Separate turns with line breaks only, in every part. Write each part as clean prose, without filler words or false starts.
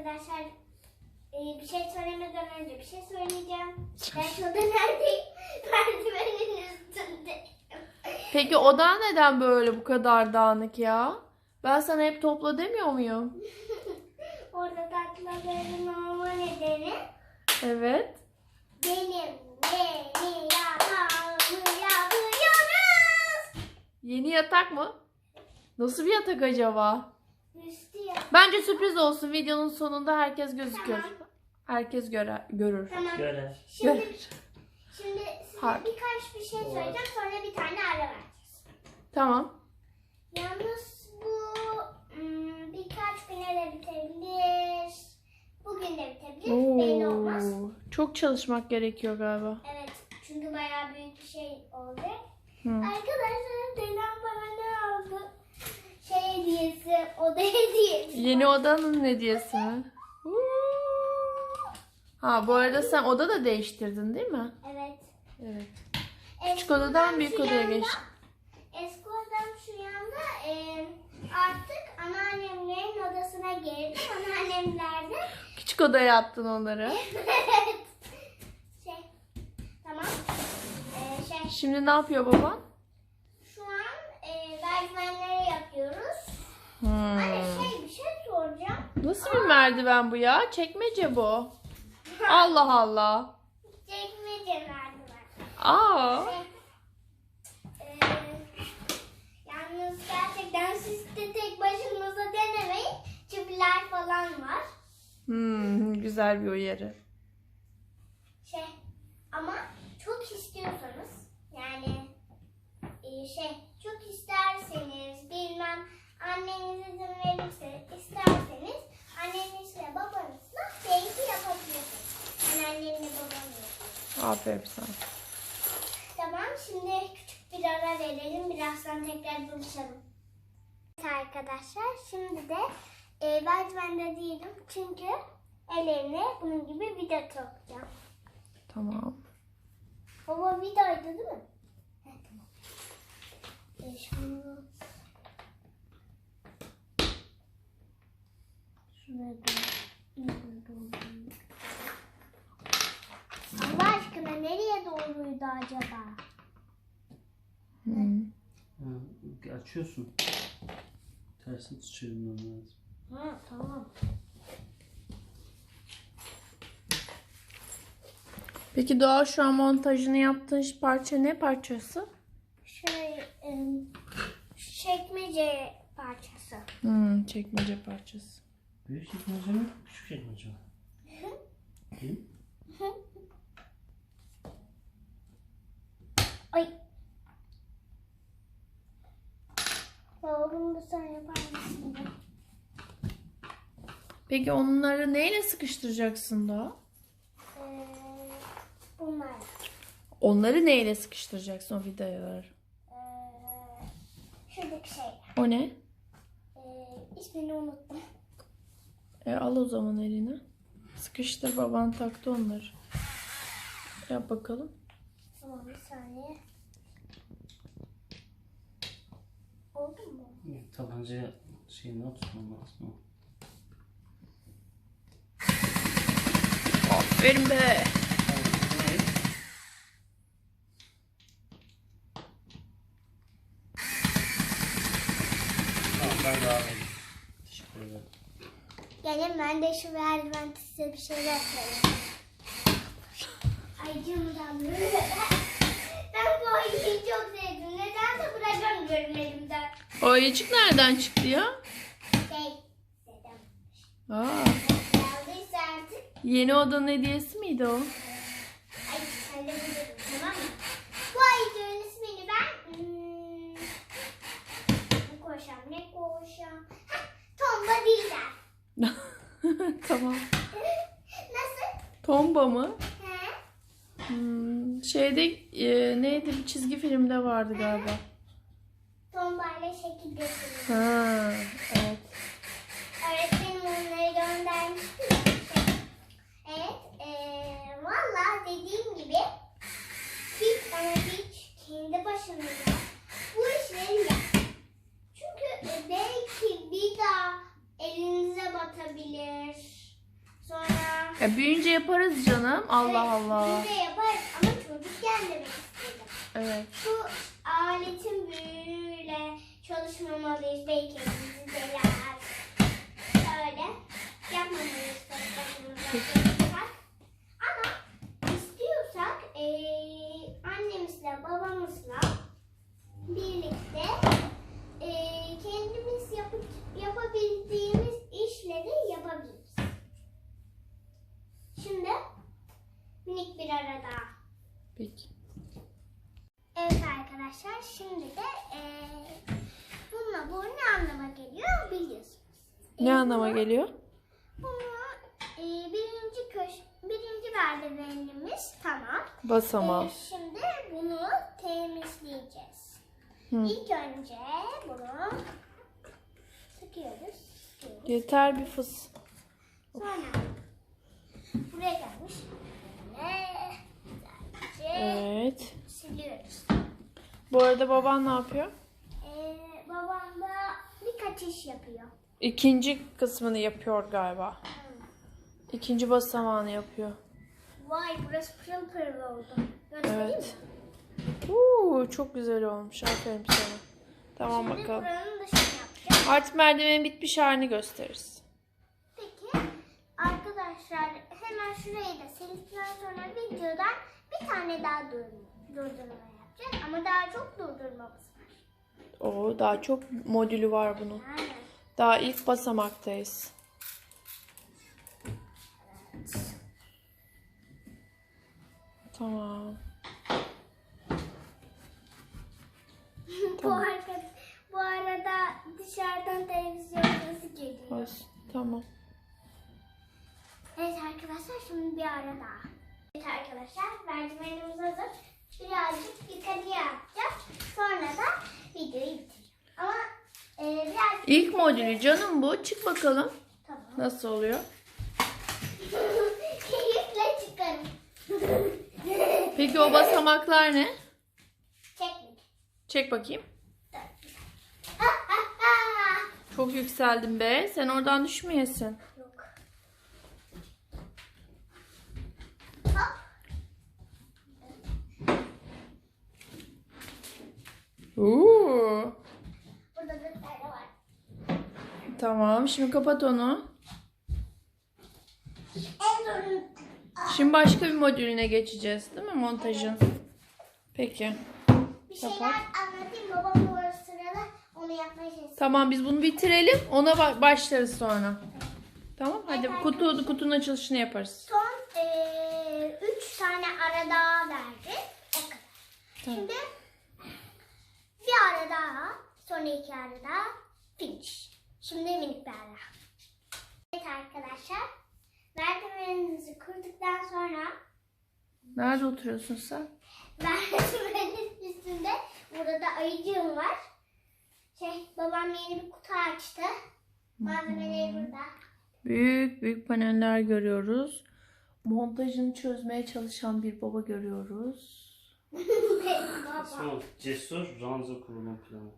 arkadaşlar bir şey söylemeden önce bir şey söyleyeceğim. Ben şurada neredeyim? Merdivenin üstünde.
Peki odan neden böyle bu kadar dağınık ya? Ben sana hep topla demiyor muyum?
Orada taklaların olma nedeni
Evet.
benim yeni yatağımı yapıyoruz.
Yeni yatak mı? Nasıl bir yatak acaba?
Üstü ya.
Bence sürpriz olsun. Videonun sonunda herkes gözükür.
Tamam.
Herkes görür.
Tamam.
Görer.
Şimdi
Görür.
size
Harika.
birkaç bir şey söyleyeceğim, sonra bir tane ara vereceğiz.
Tamam.
Yalnız bu birkaç güne de bitebilir. Bugün de bitebilir. Belli olmaz.
Çok çalışmak gerekiyor galiba.
Evet. Çünkü bayağı büyük bir şey oldu.
Hı.
Arkadaşlar dedem bana ne aldı? Şey hediyesi, oda hediyesi.
Yeni odanın hediyesi mi? Ha, bu arada sen oda da değiştirdin değil mi?
Evet.
Evet.
Eski
Küçük odadan
odam
büyük
şu
odaya
yanda,
geçtin.
Eski odam şu yanda. Artık anneannemlerin odasına girdim. Anneannemlerde.
Küçük odaya yaptın onları.
Evet. Şey. Tamam.
Şimdi ne yapıyor baban?
Şu an merdivenleri yapıyoruz.
Hmm.
Anne bir şey soracağım.
Nasıl bir merdiven bu ya? Çekmece bu. Allah Allah.
Çekmece merdiven.
Aa.
Yalnız gerçekten siz de tek başınıza denemeyin. Çiviler falan var.
Güzel bir uyarı.
Ama çok istiyorsanız yani çok isterseniz bilmem anneniz izin verirse isterseniz annenizle babanızla belki yapabilirsiniz. Ben annemle babamla.
Aferin sana.
Tamam, şimdi küçük bir ara verelim. Birazdan tekrar buluşalım. Evet arkadaşlar, şimdi de merdivende değilim. Çünkü ellerine bunun gibi vida takacağım.
Tamam.
Baba vidaydı değil mi? Evet, tamam. Şunu... Şuraya Allah aşkına nereye doğruydu acaba?
Açıyorsun. Tersini çevirmen lazım.
Ha, tamam.
Peki Doğa, şu an montajını yaptığın parça ne parçası?
Çekmece parçası.
Çekmece parçası.
Büyük çekmece mi? Küçük çekmece mi? Değil mi?
Ay. Oğlum da sen yapar mısın?
Peki onları neyle sıkıştıracaksın Doğa?
Bunlar.
Onları neyle sıkıştıracaksın, o vidaları?
Şuradaki şey.
O ne?
İsmini unuttum.
Al o zaman eline. Sıkıştır, baban taktı onları. Yap bakalım.
Tamam, bir saniye. Oldu mu?
Tabancaya şeyini tutmam lazım.
Aferin be.
Tamam, ben daha iyiyim. Teşekkür ederim.
Gelin, ben de şu merdiven size bir şeyler söyleyeyim. Ay canımdan böyle. Ben bu ayıyı çok sevdim. Neden de bırakamıyorum elimden.
O ayıcık nereden çıktı ya?
Dedem.
Aa,
Geldiyse artık.
yeni odanın hediyesi miydi o?
Ay halledelim, tamam mı? Bu ayıcığın ismini ben... ne koşam? Tomba değiller.
Tamam.
Nasıl?
Tomba mı?
He?
Şeyde neydi, bir çizgi filmde vardı galiba.
Tombayla şekil gösteriyor.
Ha, evet.
Öğretmenim onları göndermişti. Evet. Valla dediğim gibi hiç kendi başınıza bu işleri yap. Çünkü belki bir daha elinize batabilir.
Büyüyünce yaparız canım. Allah Allah.
Büyüyünce yaparız ama çocukken demek istedim.
Evet.
Şu aletin büyüğüyle çalışmamalıyız. Belki elimizi deler. Öyle yapmamalıyız. Ama istiyorsak annemizle babamızla birlikte kendimiz yapabildiğimiz işleri yapabiliriz. Şimdi minik bir ara daha.
Peki.
Evet arkadaşlar, şimdi de bu ne anlama geliyor biliyorsunuz.
Ne anlama geliyor?
Bunu birinci merdivenimiz tamam.
Basamağı.
Şimdi bunu temizleyeceğiz.
Hı.
İlk önce bunu sıkıyoruz.
Yeter bir fıs.
Sonra buraya gelmiş. Güzelce
Evet.
siliyoruz.
Bu arada baban ne yapıyor?
Babam da birkaç iş yapıyor.
İkinci kısmını yapıyor galiba. İkinci basamağını yapıyor.
Vay, burası pırıl pırıl oldu. Göstereyim
Evet.
mi?
Çok güzel olmuş. Aferin sana. Tamam
Şimdi
bakalım.
buranın dışını yapacağım.
Artık merdivenin bitmiş halini gösteririz.
Peki arkadaşlar, hemen şurayı da sildikten sonra videodan bir tane daha durdurma yapacağız. Ama daha çok durdurmamız var.
Daha çok modülü var bunun.
Aynen.
Daha ilk basamaktayız. Tamam.
Bu arada dışarıdan televizyon sesi geliyor.
Olsun. Tamam.
Evet arkadaşlar, şimdi bir ara daha. Evet arkadaşlar, merdivenimiz hazır. Birazcık yukarıya yapacağız. Sonra da videoyu bitireceğim. Ama birazcık...
İlk modülü canım bu. Çık bakalım.
Tamam.
Nasıl oluyor?
Keyifle çıkarım.
Peki o basamaklar ne?
Çekmek.
Çek bakayım.
Ah, ah, ah.
Çok yükseldin be. Sen oradan düşmeyesin.
Yok. Hop. Burada bir tane var.
Tamam. Şimdi kapat onu.
En zorun.
Şimdi başka bir modülüne geçeceğiz, değil mi montajın? Peki.
Bir şeyler
Kapat.
anlatayım. Babam bu sırada onu yapmaya çalışsın.
Tamam, biz bunu bitirelim. Ona başlarız sonra. Tamam, hadi
Evet,
kutunun açılışını yaparız.
Son 3 tane ara daha verdi. O kadar.
Tamam.
Şimdi bir ara daha. Sonra 2 ara daha. Finish. Şimdi minik bir ara. Evet arkadaşlar. Merdivenimizi kurduktan sonra
Nerede oturuyorsun sen?
merdivenin üstünde burada da ayıcığım var. Babam yeni bir kutu açtı. Malzemeleri burada.
Büyük büyük paneller görüyoruz. Montajını çözmeye çalışan bir baba görüyoruz.
Baba.
Son cesur ranza kurulum planı.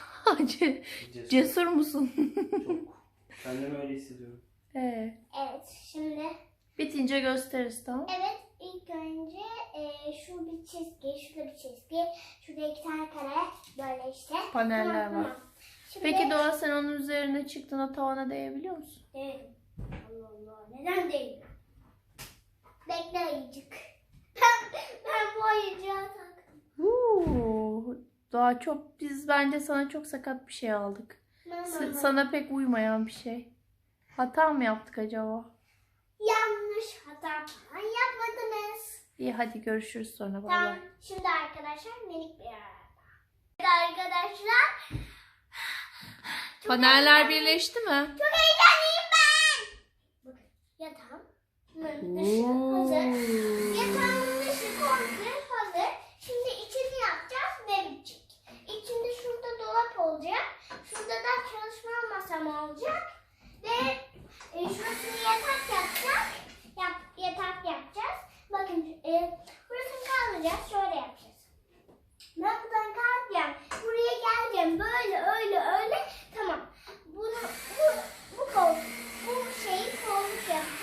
Cesur musun?
Çok. Kendimi öyle hissediyorum.
Evet.
Evet, şimdi
Bitince gösteririz, tamam?
evet, ilk önce şu bir çizgi, şurada bir çizgi, şurada 2 tane kare, böyle işte.
Paneller
Tamam,
var.
tamam. Şimdi,
Peki Doğa, sen onun üzerine çıktığında tavana değebiliyor musun?
değilim. Allah Allah, neden değilim? Bekle ayıcık. Ben bu ayıcığa taktım.
Doğa, biz bence sana çok sakat bir şey aldık. Sana pek uymayan bir şey. Hata mı yaptık acaba?
Yanlış hata falan yapmadınız.
İyi, hadi görüşürüz sonra. Bay
Tamam,
bay.
şimdi arkadaşlar minik bir ara. Evet arkadaşlar. Çok
Paneller
heyecanlıyım.
birleşti mi?
Çok heyecanlıyım ben. Bakın, yatağımın dışı hazır. Yatağımın dışı komple hazır. Şimdi içini yapacağız ve bitecek. İçinde şurada dolap olacak. Şurada da çalışma masam olacak. Ve şurasını yatak yapacağız. Yatak yapacağız. Bakın burasını kaldıracağız. Şöyle yapacağız. Ben buradan kalkacağım. Buraya geleceğim. Böyle öyle. Tamam. Bu koltuk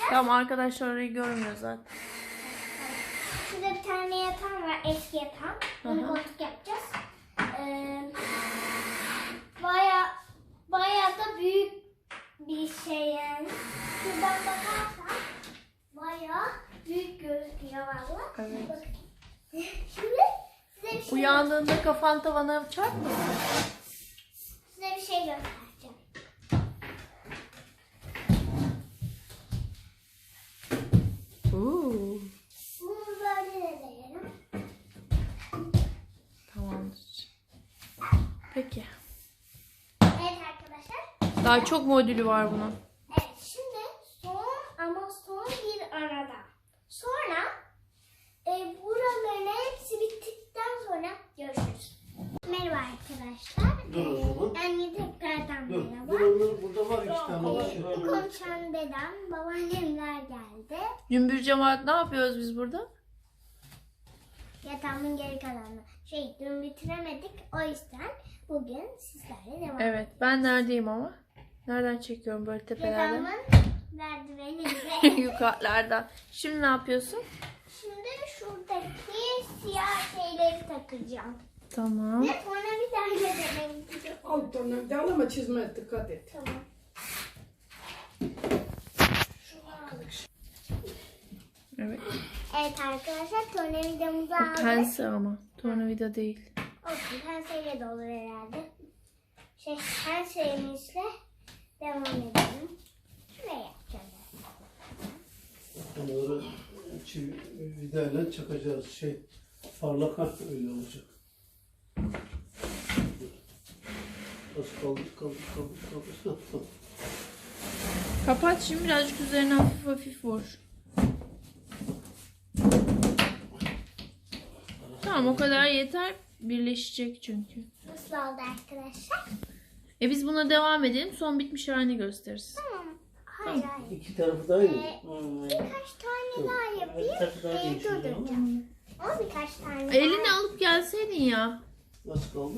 Tamam, arkadaşlar orayı görmüyor zaten.
Şurada bir tane yatağım var, eski yatağım. Bunu koltuk yapacağız. Bayağı da büyük bir şey yani. Şuradan bakarsan bayağı büyük gözüküyor valla.
Evet.
Bakın. Şimdi size bir şey
Uyandığında kafan tavana çarpmasın.
Size bir şey göstereceğim.
Oo,
Bunu böyle de deneyelim.
tamamdır. Peki.
Evet arkadaşlar.
Daha çok modülü var bunun.
Evet şimdi son bir arada. Sonra buraların hepsi bittikten sonra görüşürüz. Merhaba arkadaşlar.
Dur o zaman.
Anne tekrardan
Dur.
merhaba.
Dur onlar burada var 2 tane var.
Konuşan dedem, babaannemler geldi.
Cümbür cemaat ne yapıyoruz biz burada?
Yatağımın geri kalanını. Dün bitiremedik. O yüzden bugün sizlerle devam
Evet, ben neredeyim ama? Nereden çekiyorum böyle tepelerden?
Yatağımın merdiveninde.
Yukarılardan. Şimdi ne yapıyorsun?
Şimdi şuradaki siyah şeyleri takacağım.
Tamam.
Ve sonra bir tane deneyelim.
Altına da ama çizmeye dikkat et.
Tamam.
Evet.
Evet arkadaşlar tornavidamızı
O
aldık.
pense ama. Tornavida değil.
Olsun penseyle de olur herhalde. Penselemizle devam edelim. Şuraya yapacağız.
Onları vidayla çakacağız. Parlak öyle olacak. Az kaldı. Tamam.
Kapat şimdi, birazcık üzerine hafif hafif vur. Tamam, o kadar yeter. Birleşecek çünkü.
Nasıl oldu arkadaşlar?
Biz buna devam edelim. Son bitmiş halini gösteririz.
Tamam. Hayır hayır.
2 tarafı da aynı.
Birkaç tane daha yapayım.
Bir tarafı daha değişiyor ama.
Durduracağım. Ama birkaç tane daha.
Elini alıp gelseydin ya.
Nasıl kaldı?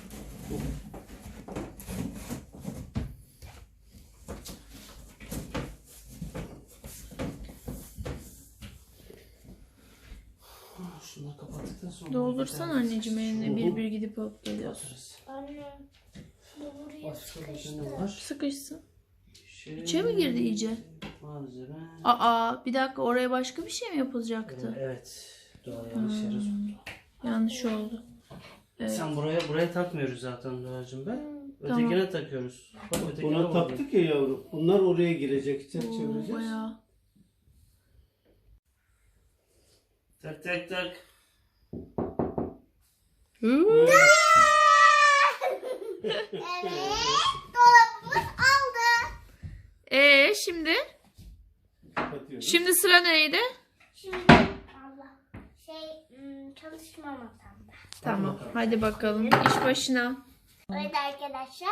Şunları kapattıktan sonra...
Doldursan anneciğim eline, bir bir gidip alıp geliyorsun.
Kapatırız.
Anne. Bu buraya
Başka bir
sıkıştı.
ne var?
Sıkışsın.
Şey...
İçe mi girdi iyice?
Malzeme...
Aa, bir dakika, oraya başka bir şey mi yapılacaktı?
Evet. Doğa yanlış yere soktu.
Yanlış oldu. Evet.
Sen buraya takmıyoruz zaten Doğacığım be. Ötekine takıyoruz. Bak ötekine
Buna
bağlı.
taktık ya yavrum. Bunlar oraya girecek.
Oo,
Çevireceğiz.
bayağı.
Tak tak tak.
Hı.
Evet. Dolabımız aldı.
Şimdi?
Kapatıyoruz.
Şimdi sıra neydi?
Şimdi Allah. Çalışma masamda.
Tamam, hadi bakalım. İş başına.
Evet arkadaşlar.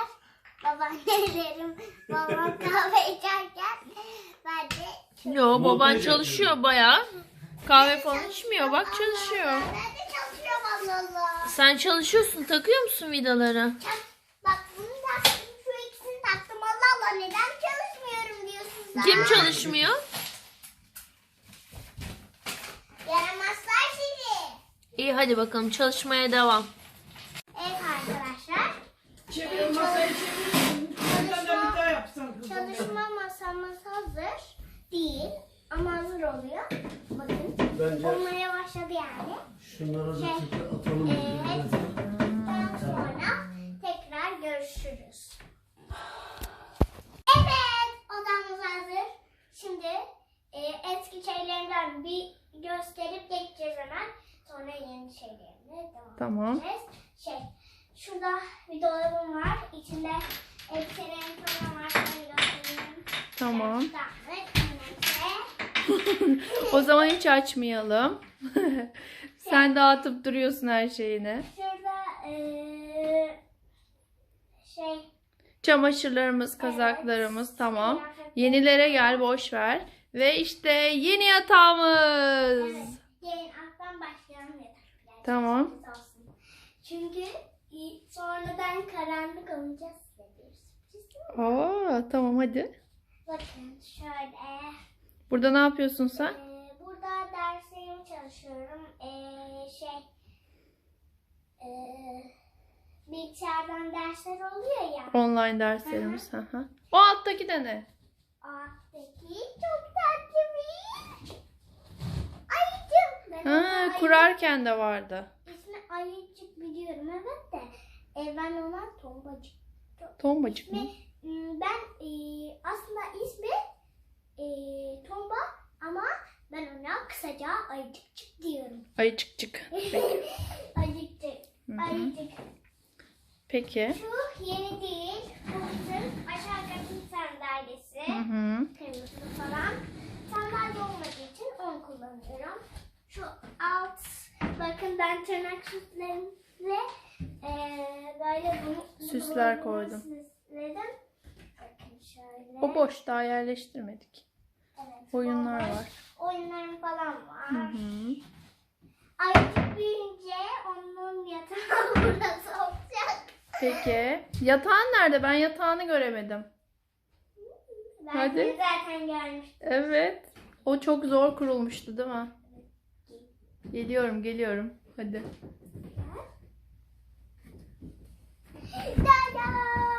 Babam kahve içerken ben de
Yo, baban
Montaj
çalışıyor bayağı. Kahve falan içmiyor, bak çalışıyor.
Ben de çalışıyorum Allah Allah.
Sen çalışıyorsun, takıyor musun vidaları?
Bak bunu taktım, şu ikisini taktım. Allah Allah neden çalışmıyorum diyorsunuz.
Kim çalışmıyor?
Yaramazlar sizi.
İyi, hadi bakalım çalışmaya devam.
Evet arkadaşlar.
Çevir masayı çevir. Bir tane bir daha yapsan kızım.
Çalışma masamız hazır değil ama hazır oluyor. Bakın
Bence
olmaya başladı yani.
şunları da atalım.
Evet. Daha sonra tekrar görüşürüz. Evet, odamız hazır. Şimdi eski şeylerinden bir gösterip geçeceğiz hemen. Sonra yeni şeylerine devam
Tamam.
edeceğiz. Şurada bir dolabım var. İçinde elbiselerim falan var. Şöyle göstereyim.
Tamam.
Daha ve
O zaman hiç açmayalım. Sen dağıtıp duruyorsun her şeyini.
şurada
Çamaşırlarımız, kazaklarımız tamam. Yenilere gel, boş ver. Ve işte yeni yatağımız.
Evet. Gelin alttan başlayalım yataklar.
Tamam.
Olsun. Çünkü sonradan karanlık olunca size bir sürpriz var.
Aa, tamam hadi.
Bakın şöyle.
Burada ne yapıyorsun sen?
Burada derslerimi çalışıyorum. Bilgisayardan dersler oluyor ya.
Online derslerimiz. Hı hı. O alttaki de ne?
Alttaki çok tatlı bir ayıcık. Ben ona
Ha, kurarken de vardı.
İsmi ayıcık biliyorum evet de. Ben ona tombacık.
Tombacık mı?
Ben aslında ismi tomba ama ben ona kısaca ayıcıkçık diyorum.
Ayıcıkcık. Peki.
Ayıcıkçık.
Hı hı.
Ayıcık.
Peki.
Şu yeni değil. Bu bizim aşağı katın sandalyesi.
Hı hı.
Kırmızı falan. Sandalye olmadığı için onu kullanıyorum. Şu alt bakın ben tırnak süslerimle böyle
Süsler koydum.
Süsledim. Bakın şöyle.
O boş, daha yerleştirmedik.
Evet,
Oyunlar
boş.
var.
Oyunlarım falan var.
Hı hı.
Ayıcık büyüyünce onun yatağı burası olacak.
Peki. Yatağın nerede? Ben yatağını göremedim.
Ben
Hadi.
seni zaten görmüştüm.
Evet. O çok zor kurulmuştu değil mi? Geliyorum. Hadi.
Dada!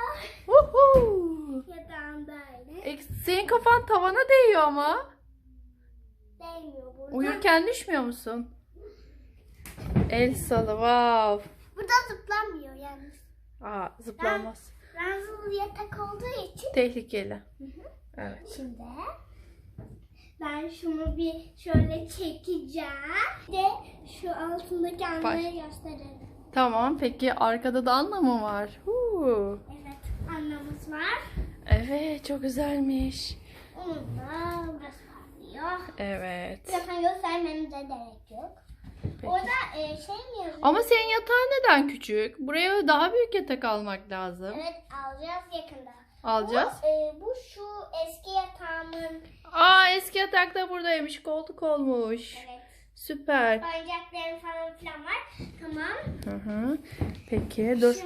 Uhu.
Yatağım böyle.
Senin kafan tavana değiyor ama.
Değmiyor burada.
Uyurken düşmüyor musun? El salı. Wow.
Burada zıplamıyor yalnız.
Aa, zıplanmaz.
Ranzalı yatak olduğu için.
Tehlikeli. Evet.
Şimdi ben şunu bir şöyle çekeceğim. Bir de şu altındaki anları gösterelim.
Tamam. Peki arkada da Anna mı var? Huu.
Evet, annemiz var.
Evet, çok güzelmiş.
Onun da burası parlıyor.
Evet.
Zaten göstermemize gerek yok.
Peki.
Orada şey mi yazıyor?
Ama senin yatağın neden küçük? Buraya daha büyük yatak almak lazım.
Evet, alacağız yakında.
Alacağız.
Bu şu eski yatağımın.
Aa, eski yatak da buradaymış. Koltuk olmuş.
Evet.
Süper.
Oyuncaklarım falan filan var. Tamam.
Hı hı. Peki dur.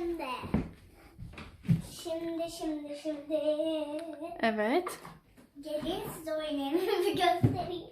Şimdi.
Evet.
Gelin size oyun evimi göstereyim.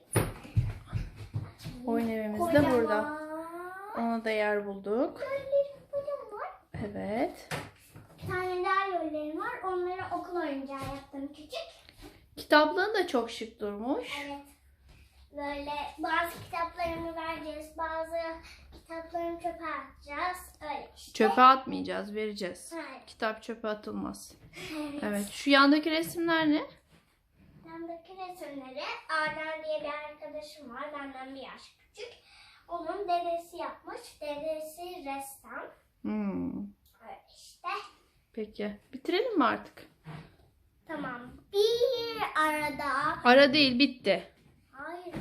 Oyun evimiz de
Kocaman.
burada. Ona da yer bulduk.
Lollerim falan var.
Evet.
Bir tane daha lollerim var. Onları okul oyuncağı yaptım küçük.
Kitaplığın da çok şık durmuş.
Evet. Böyle bazı kitaplarımı vereceğiz. Bazı kitaplarımı çöpe atacağız. Öyle işte.
Çöpe atmayacağız, vereceğiz.
Evet.
Kitap çöpe atılmaz.
Evet.
Evet. Şu yandaki resimler ne?
Bendeki resimleri Arden diye bir arkadaşım var. Benden bir yaş küçük. Onun dedesi yapmış. Dedesi ressam. Öyle işte.
Peki. Bitirelim mi artık?
Tamam. Bir arada.
Ara değil, bitti.
Hayır.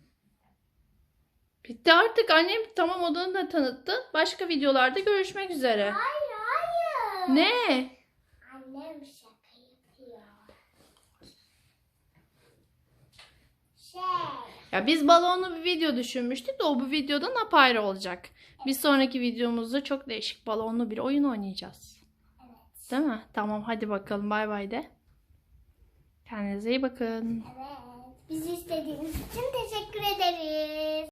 Bitti artık. Annem tamam odanı da tanıttı. Başka videolarda görüşmek üzere.
Hayır.
Ne?
Annem şaka yapıyor.
Ya biz balonlu bir video düşünmüştük de o bu videodan apayrı olacak. Bir sonraki videomuzda çok değişik balonlu bir oyun oynayacağız.
Evet.
Değil mi? Tamam hadi bakalım bay bay de. Kendinize iyi bakın.
Evet. Bizi istediğiniz için teşekkür ederiz.